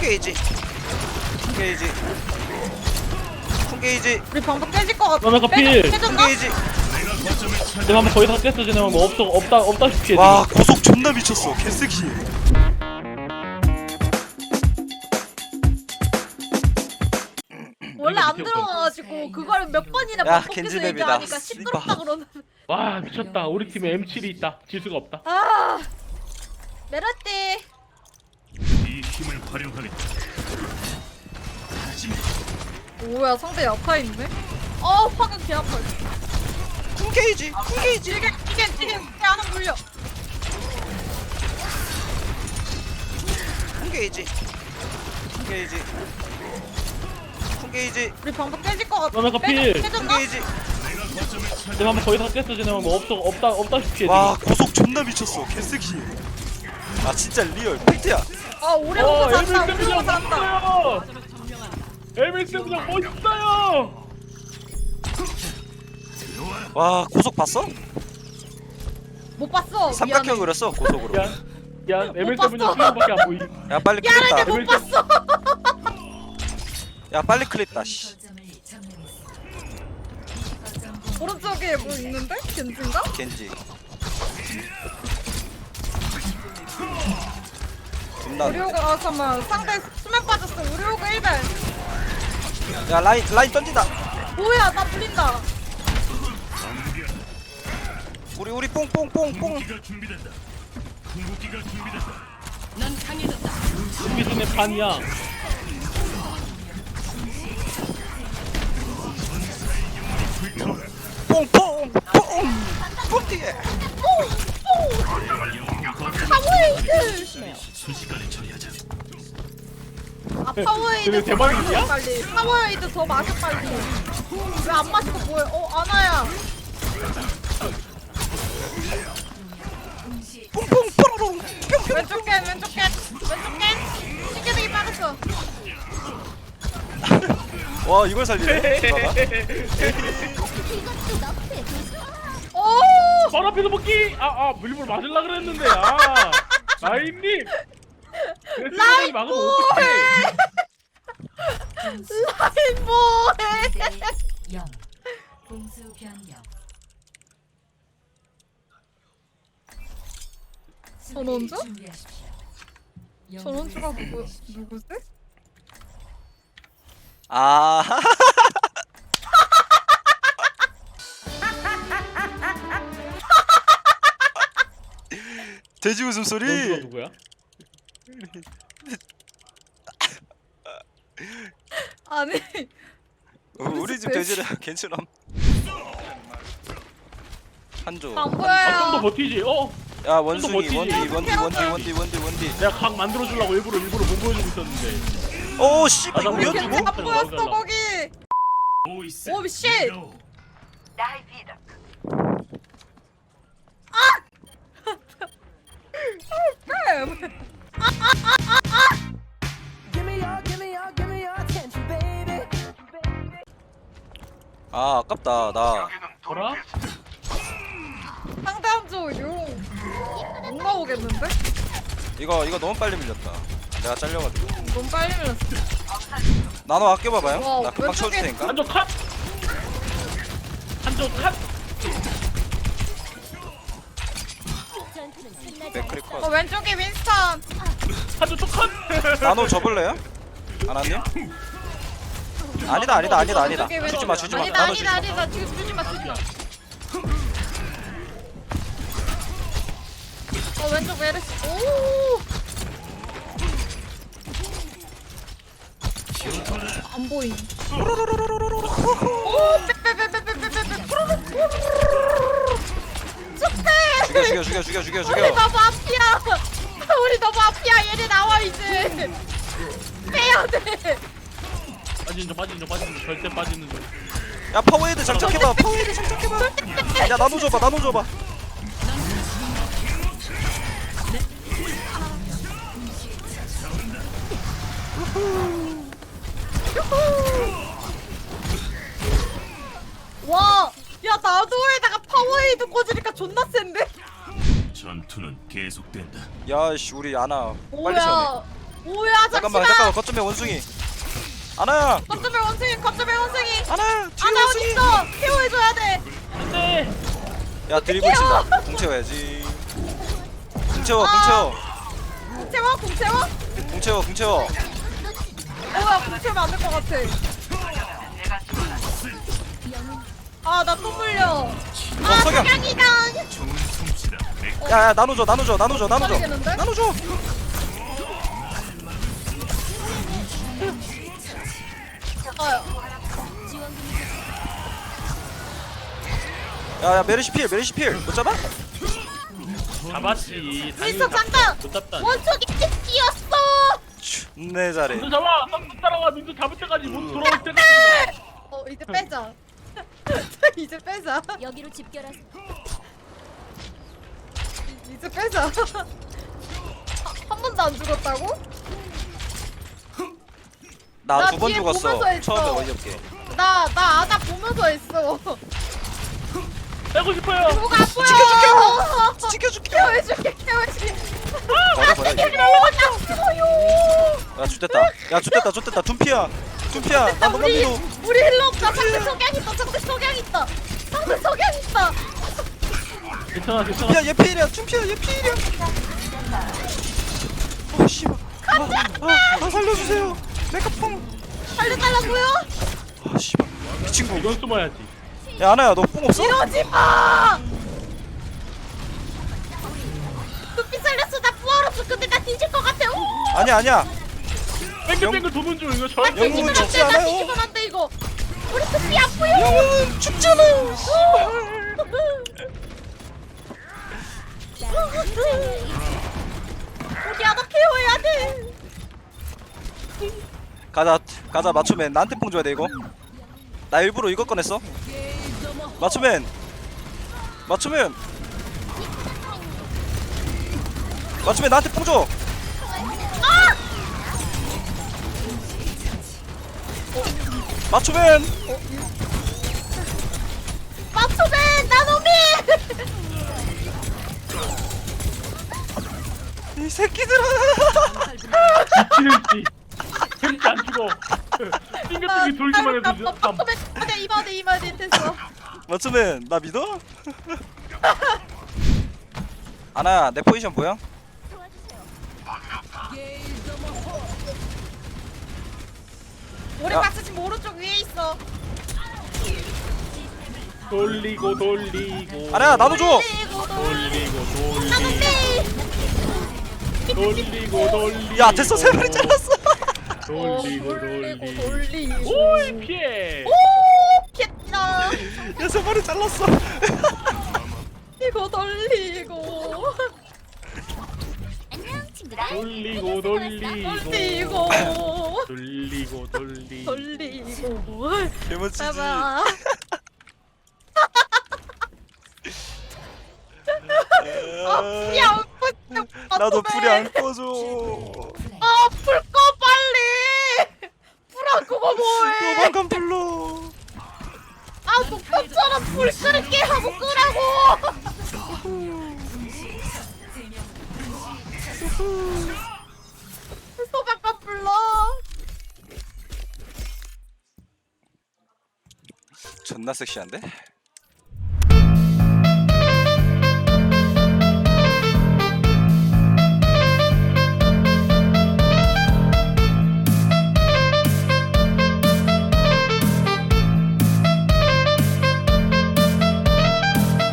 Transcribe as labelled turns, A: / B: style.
A: 쿵게이지 쿵게이지 쿵게이지
B: 우리 방법 깨질 것 같아.
C: 너네가 필.
B: 깨졌나?
A: 쿵게이지.
C: 내 방금 거의 다 깼어. 쟤네 방금 없다시피 해.
A: 와 고속 존나 미쳤어 개새끼.
B: 원래 안 들어가가지고 그걸 몇 번이나
A: 야,
B: 반복해서
A: 겐지
B: 얘기하니까
A: 맵이다.
B: 시끄럽다 그러는.
C: 와 미쳤다. 우리 팀에 M7이 있다. 질 수가 없다.
B: 아, 메라띠.
D: 이 힘을 활용하겠다.
B: 뭐야 상대 약화인데? 어 화가 개 아파.
A: 쿵게이지 쿵게이지.
B: 이게 하나 물려.
A: 쿵게이지 쿵게이지 쿵게이지
B: 우리 방법 깨질 것 같아.
C: 너네가 필.
B: 깨졌나?
A: 쿵게이지.
C: 내 방금 거의 다 깼어. 쟤네 방금 없다시피 해.
A: 와 고속 존나 미쳤어 개새끼. 아 진짜 리얼 팩트야.
B: 아 오래 오고 산다. 오래 오고
C: 엘밀
B: 산다.
C: 멋있어요. 엘밀 쌤장 멋있어요.
A: 와 고속 봤어?
B: 못 봤어.
A: 삼각형
B: 미안해.
A: 그렸어 고속으로.
C: 야 엘밀
B: 봤어.
C: 쌤장 수영밖에 안 보이.
A: 야 빨리
B: 미안한데
A: 클립다.
B: 못 봤어.
A: 야 빨리 클립다. 씨.
B: 오른쪽에 뭐 있는데? 겐지인가?
A: 겐지. 존나.
B: 우리오가 아 잠깐만 상대 수면 빠졌어. 우리오가 1배.
A: 야 라인 던진다.
B: 뭐야 나 불린다.
A: 우리 뽕뽕뽕뽕.
D: 궁극기가 준비된다. 궁극기가 준비된다.
C: 이게 쟤네 반이야.
A: 뽕뽕뽕 뽕띠에.
B: 파워에이드.
D: 순식간에 처리하자.
B: 아 파워에이드
C: 쟤네
B: 더
C: 대박이야?
B: 마셔 빨리. 파워에이드 더 마셔 빨리. 왜 안 마시고 뭐해? 아나야.
A: 뽕뽕 뽕뽕.
B: 왼쪽 캔 왼쪽 캔 왼쪽 캔. 신기하게 빠졌어.
A: 와 이걸 살리네. 디바가.
B: 오.
C: 바로 앞에서 먹기. 밀물 맞으려 그랬는데. 라인님.
B: 라인
C: 막으면
B: 뭐해?
C: 어떡해.
B: 라인 뭐해?
E: 0 공수 변경
B: 전원주?
E: 준비하십시오.
B: 전원주가 누구지?
A: 아. 돼지
C: 넌
A: 웃음소리.
C: 누구야?
B: 아니
A: 우리 집 돼지를 괜찮아. 한조.
B: 안
C: 좀더
B: 보여요.
C: 버티지.
A: 야 원숭이
C: 버티지.
A: 원디.
C: 내가 각 만들어주려고 일부러 못 보여주고 있었는데.
A: 오 씨발 이거
C: 나
A: 왜
B: 겐지
A: 주고?
B: 안 보였어 거기.
D: 오이스.
B: 오 쉣.
A: 아 아깝다 나.
C: 뭐라?
B: 상대 한조 용. 못 나오겠는데?
A: 이거 너무 빨리 밀렸다. 내가 잘려가지고.
B: 너무 빨리 밀렸어.
A: 나노 아껴봐봐요.
B: 와,
A: 나 금방 쳐줄
B: 왼쪽에-
A: 테니까.
C: 한쪽 컷. 한쪽 컷.
A: 맥크리
B: 어
A: 컷.
B: 왼쪽에 윈스턴.
C: 한쪽 쪽 컷.
A: 나노 접을래요? 하나님? 아니다.
B: 왼쪽에
A: 주지 마.
B: 아니다
A: 나노 주지 마.
B: 아니다 지금 주지 마. 왼쪽 메르시. 오. 안 보임. 오 빼빼빼빼빼빼빼. 쑥빼.
A: 죽여.
B: 우리 너무 앞이야. 우리 너무 앞이야. 얘네 나와 이제. 빼야 돼.
C: 빠지는 중 절대 빠지는 중.
A: 야 파워헤드 장착해봐. 야 나노 줘봐.
B: 와, 야 나도에다가 파워에이드 꽂으니까 존나 센데?
D: 전투는 계속된다.
A: 야씨 우리 아나 빨리 채우네.
B: 뭐야? 뭐야
A: 잠깐만
B: 잠시만.
A: 거점에 원숭이. 아나야
B: 거점의 원숭이 거점의 원숭이.
A: 아나야 뒤에
B: 아나
A: 원숭이.
B: 어딨어? 케어해줘야 돼.
C: 안돼.
A: 야 드리블 친다. 공 채워야지. 공 채워 공 채워
B: 공 채워 공 채워.
A: 공 채워 공 채워.
B: 뭐야 공 채우면 안 될 것 같아. 아 나 또 물려. 아
A: 석양.
B: 석양이다.
D: 좋은 솜씨다.
A: 야야 나눠줘 나눠줘 나눠줘 나눠줘
B: 떨리겠는데?
A: 나눠줘. 야야 메르시 필 못 잡아?
C: 잡았지.
B: 윈스턴 잠깐.
C: 못 잡다.
B: 원숭이 뛰었어.
A: 네 잘해.
C: 민수 잡아. 딱 따라가. 민수 잡을 때까지 못 돌아올 때까지.
B: 이제 빼자. 이제 빼자.
E: 여기로 집결하세요.
B: 이제 빼자. 한 번도 안 죽었다고?
A: 나
B: 나
A: 두 번
B: 뒤에
A: 죽었어.
B: 보면서 했어.
A: 처음에 어이없게.
B: 나 아나 보면서 했어.
C: 빼고 싶어요.
B: 뭐가 안 보여.
A: 지켜줄게.
B: 케어해줄게 케어해줄게.
A: 버려 이제. 야 죽됐다. 야 죽됐다. 둠피야. 나 너만
B: 우리
A: 믿어.
B: 우리 힐러 없다. 상대 석양 있다. 상대 석양 있다. 상대 석양 있다.
C: 괜찮아 괜찮아.
A: 둠피야 얘 필이야. 둠피야 얘 필이야. 어 씨발. 아 살려주세요. 내가 뽕.
B: 살려달라고요?
A: 아 씨발. 이 친구.
C: 이건 숨어야지.
A: 야 아나야 너 뽕 없어?
B: 이러지 마. 눈빛 살렸어. 나 부활없어. 근데 나 뒤질 것 같아. 오.
A: 아니야.
C: 뱅글뱅글 도는 중 이거
B: 나
C: 저.
A: 영웅은
B: 뒤지면 안
A: 죽지
B: 돼. 나
A: 않아요.
B: 뒤지면 안 돼 이거. 우리 눈빛 안 보여.
A: 영웅은 죽잖아요.
B: 우리 하나 케어해야 돼.
A: 가자 맞추면 나한테 뽕 줘야 돼 이거. 나 일부러 이거 꺼냈어. 맞추면 나한테 뽕 줘. 맞추면
B: 맞춰맨 나노미.
A: 이 새끼들아.
C: 미치는지. 햄찌 안 죽어. 띵글띵글 돌기만 해도 저-
B: 맞춰맨 이번에 됐어.
A: 맞추면 나 믿어? 아나야 내 포지션 보여?
B: 우리
A: 야.
B: 박스 지금 오른쪽 위에 있어.
C: 돌리고.
A: 아나야 나도 줘.
C: 돌리고.
A: 야 됐어 세 마리 잘랐어.
C: 돌리고.
B: 오이
C: 피해.
B: 겠다.
A: 야 세 마리 잘랐어.
B: 이거 돌리고
E: 안녕 친구들.
C: 돌리고.
B: 돌리고 돌리고
A: 개멋지지.
B: 봐봐. 풀이 안 꺼져.
A: 나도 풀이 안 꺼져.
B: 풀 꺼 빨리. 풀 안 끄고 뭐해?
A: 도망간 불러.
B: 목표처럼 불 끄게 하고 끄라고. 소방관 불러.
A: 존나 섹시한데?